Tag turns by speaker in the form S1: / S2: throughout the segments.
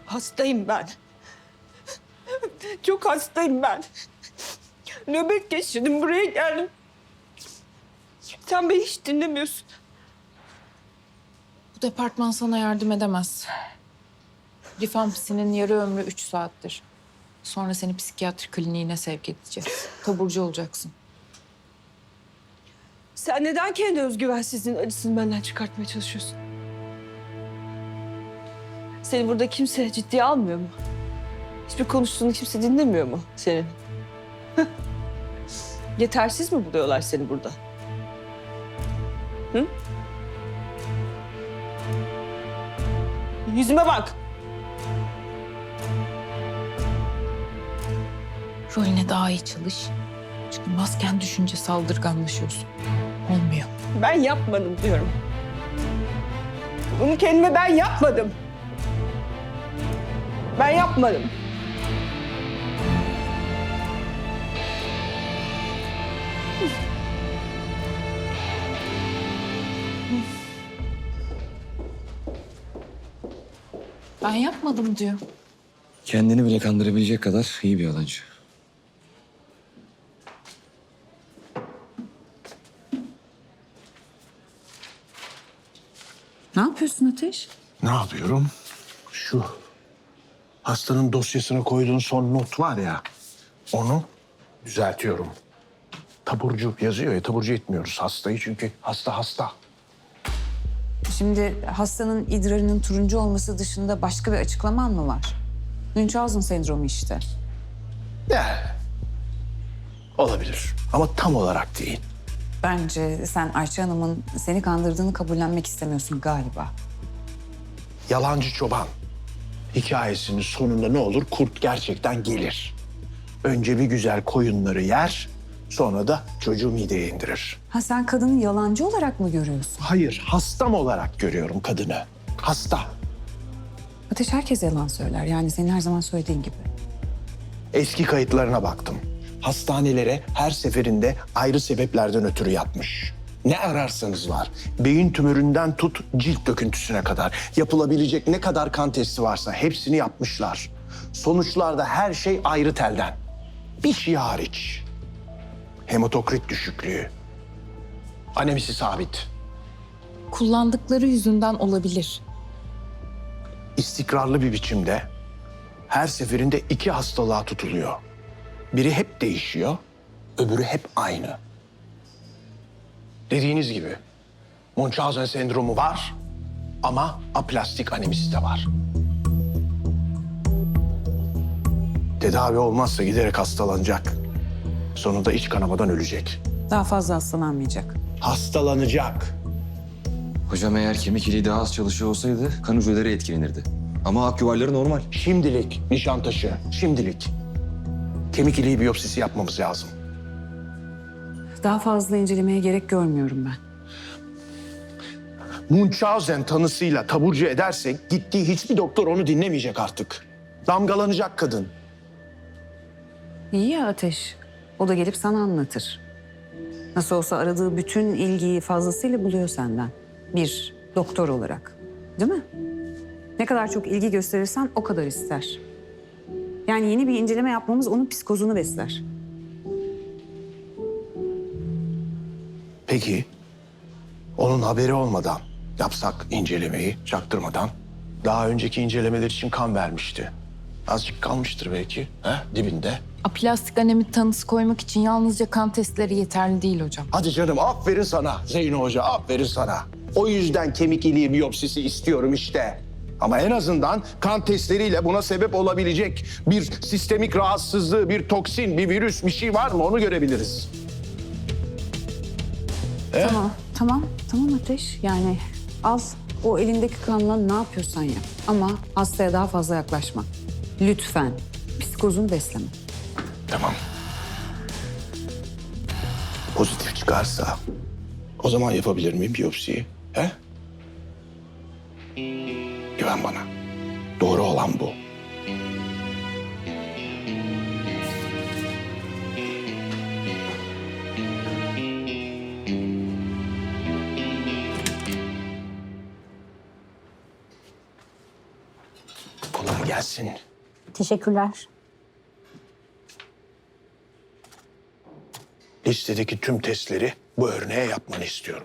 S1: Hastayım ben. Çok hastayım ben. Nöbet geçirdim, buraya geldim. Sen beni hiç dinlemiyorsun.
S2: Bu departman sana yardım edemez. Rifampicinin yarı ömrü 3 saattir. Sonra seni psikiyatri kliniğine sevk edeceğiz. Taburcu olacaksın.
S1: Sen neden kendi özgüvensizliğin acısını benden çıkartmaya çalışıyorsun? Seni burada kimse ciddiye almıyor mu? Hiçbir konuştuğunu kimse dinlemiyor mu senin? Yetersiz mi buluyorlar seni burada? Hı? Yüzüme bak.
S2: Rolüne daha iyi çalış. Çünkü masken düşünce saldırganlaşıyorsun. Olmuyor.
S1: Ben yapmadım diyorum. Bunu kendime ben yapmadım. Ben yapmadım.
S2: Ben yapmadım diyor.
S3: Kendini bile kandırabilecek kadar iyi bir yalancı.
S4: Ne yapıyorsun Ateş?
S5: Ne yapıyorum? Şu hastanın dosyasına koyduğun son not var ya, onu düzeltiyorum. Taburcu yazıyor ya, taburcu etmiyoruz hastayı çünkü hasta.
S4: Şimdi hastanın idrarının turuncu olması dışında başka bir açıklaman mı var? Münchhausen sendromu işte.
S5: Ya, olabilir ama tam olarak değil.
S4: Bence sen Ayça Hanım'ın seni kandırdığını kabullenmek istemiyorsun galiba.
S5: Yalancı çoban hikayesinin sonunda ne olur? Kurt gerçekten gelir. Önce bir güzel koyunları yer, sonra da çocuğu mideye indirir.
S4: Ha sen kadını yalancı olarak mı görüyorsun?
S5: Hayır, hastam olarak görüyorum kadını. Hasta.
S4: Ateş herkes yalan söyler. Yani senin her zaman söylediğin gibi.
S5: Eski kayıtlarına baktım. Hastanelere her seferinde ayrı sebeplerden ötürü yatmış. Ne ararsanız var. Beyin tümöründen tut cilt döküntüsüne kadar. Yapılabilecek ne kadar kan testi varsa hepsini yapmışlar. Sonuçlarda her şey ayrı telden. Bir şey hariç. Hematokrit düşüklüğü. Anemisi sabit.
S2: Kullandıkları yüzünden olabilir.
S5: İstikrarlı bir biçimde her seferinde iki hastalığa tutuluyor. Biri hep değişiyor, öbürü hep aynı. Dediğiniz gibi Münchhausen sendromu var ama aplastik anemisi de var. Tedavi olmazsa giderek hastalanacak. Sonunda iç kanamadan ölecek.
S4: Daha fazla hastalanmayacak.
S5: Hastalanacak.
S3: Hocam eğer kemik iliği daha az çalışıyor olsaydı kan hücreleri etkilenirdi. Ama ak yuvarları normal.
S5: Şimdilik Nişantaşı, şimdilik. Kemik iliği biyopsisi yapmamız lazım.
S4: Daha fazla incelemeye gerek görmüyorum ben.
S5: Münchhausen tanısıyla taburcu edersek gittiği hiçbir doktor onu dinlemeyecek artık. Damgalanacak kadın.
S4: İyi ya Ateş. O da gelip sana anlatır. Nasıl olsa aradığı bütün ilgiyi fazlasıyla buluyor senden. Bir doktor olarak. Değil mi? Ne kadar çok ilgi gösterirsen o kadar ister. Yani yeni bir inceleme yapmamız onun psikozunu besler.
S5: Peki onun haberi olmadan yapsak incelemeyi çaktırmadan. Daha önceki incelemeler için kan vermişti. Azıcık kalmıştır belki dibinde.
S2: Aplastik anemi tanısı koymak için yalnızca kan testleri yeterli değil hocam.
S5: Hadi canım aferin sana Zeyno Hoca aferin sana. O yüzden kemik iliği biyopsisi istiyorum işte. Ama en azından kan testleriyle buna sebep olabilecek bir sistemik rahatsızlığı, bir toksin, bir virüs, bir şey var mı onu görebiliriz.
S4: Tamam Ateş. Yani al o elindeki kanla ne yapıyorsan yap. Ama hastaya daha fazla yaklaşma. Lütfen psikozunu besleme.
S5: Tamam. Pozitif çıkarsa o zaman yapabilir miyim biyopsiyi? Güven bana. Doğru olan bu. Kolay gelsin.
S6: Teşekkürler.
S5: Listedeki tüm testleri bu örneğe yapmanı istiyorum.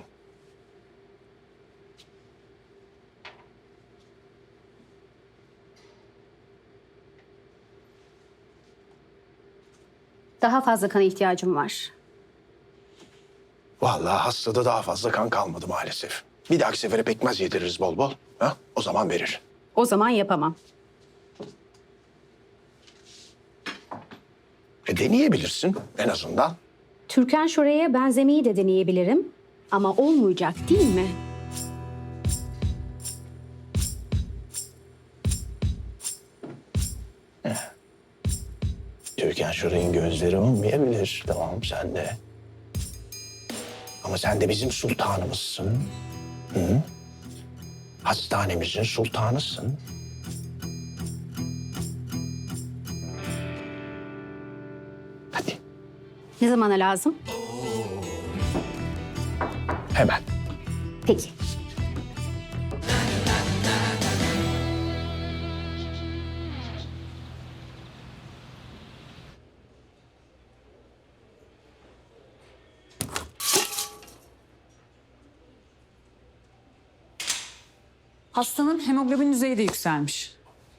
S6: Daha fazla kana ihtiyacım var.
S5: Vallahi hastada daha fazla kan kalmadı maalesef. Bir dahaki sefere pekmez yediririz bol bol. Ha? O zaman verir.
S6: O zaman yapamam.
S5: Deneyebilirsin en azından.
S6: Türkan Şoray'a benzemeyi de deneyebilirim. Ama olmayacak değil mi?
S5: Türkan Şoray'ın gözleri olmayabilir. Tamam sen de. Ama sen de bizim sultanımızsın. Hı? Hastanemizin sultanısın. Hadi
S6: Ne zamana lazım?
S5: hemen.
S6: Peki.
S4: Hastanın hemoglobin düzeyi de yükselmiş.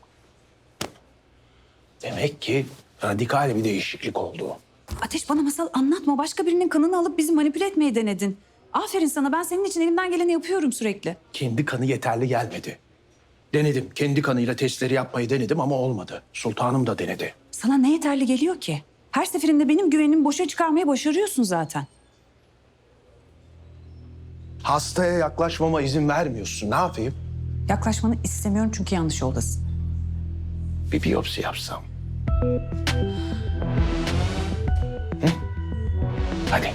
S5: Demek ki radikal bir değişiklik oldu.
S4: Ateş, bana masal anlatma. Başka birinin kanını alıp bizi manipüle etmeyi denedin. Aferin sana. Ben senin için elimden geleni yapıyorum sürekli.
S5: Kendi kanı yeterli gelmedi. Denedim. Kendi kanıyla testleri yapmayı denedim ama olmadı. Sultanım da denedi.
S4: Sana ne yeterli geliyor ki? Her seferinde benim güvenimi boşa çıkarmaya başarıyorsun zaten.
S5: Hastaya yaklaşmama izin vermiyorsun. Ne yapayım?
S4: Yaklaşmanı istemiyorum çünkü yanlış yoldasın.
S5: Bir biyopsi yapsam. Hı? Hadi.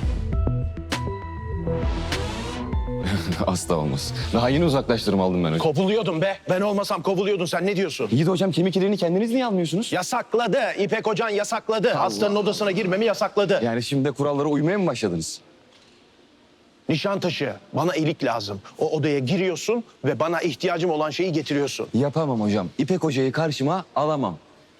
S3: Asla olmaz. Daha yeni uzaklaştırma aldım ben hocam.
S5: Kovuluyordun be. Ben olmasam kovuluyordun. Sen ne diyorsun?
S3: İyi de hocam kemik iliğini kendiniz niye almıyorsunuz?
S5: Yasakladı. İpek Hocan yasakladı. Hastanın odasına girmemi yasakladı.
S3: Yani şimdi de kurallara uymaya mı başladınız?
S5: Nişantaşı. Bana ilik lazım. O odaya giriyorsun ve bana ihtiyacım olan şeyi getiriyorsun.
S3: Yapamam hocam. İpek hocayı karşıma alamam.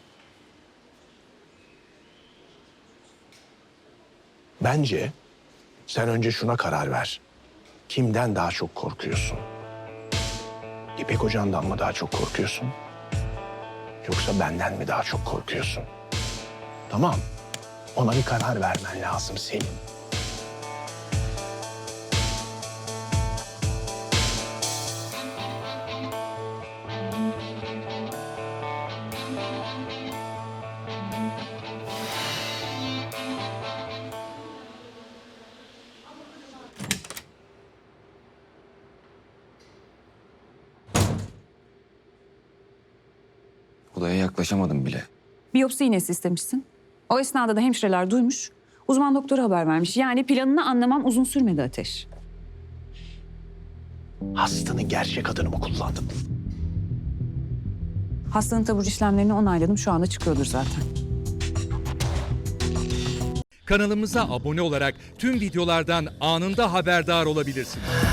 S5: Bence sen önce şuna karar ver. Kimden daha çok korkuyorsun? İpek Hoca'ndan mı daha çok korkuyorsun? Yoksa benden mi daha çok korkuyorsun? Tamam. Ona bir karar vermen lazım senin.
S3: Odaya yaklaşamadım bile.
S4: Biyopsi iğnesi istemişsin. O esnada da hemşireler duymuş. Uzman doktora haber vermiş. Yani planını anlamam uzun sürmedi Ateş.
S5: Hastanın gerçek adını mı kullandın?
S4: Hastanın taburcu işlemlerini onayladım. Şu anda çıkıyordur zaten.
S7: Kanalımıza abone olarak tüm videolardan anında haberdar olabilirsiniz.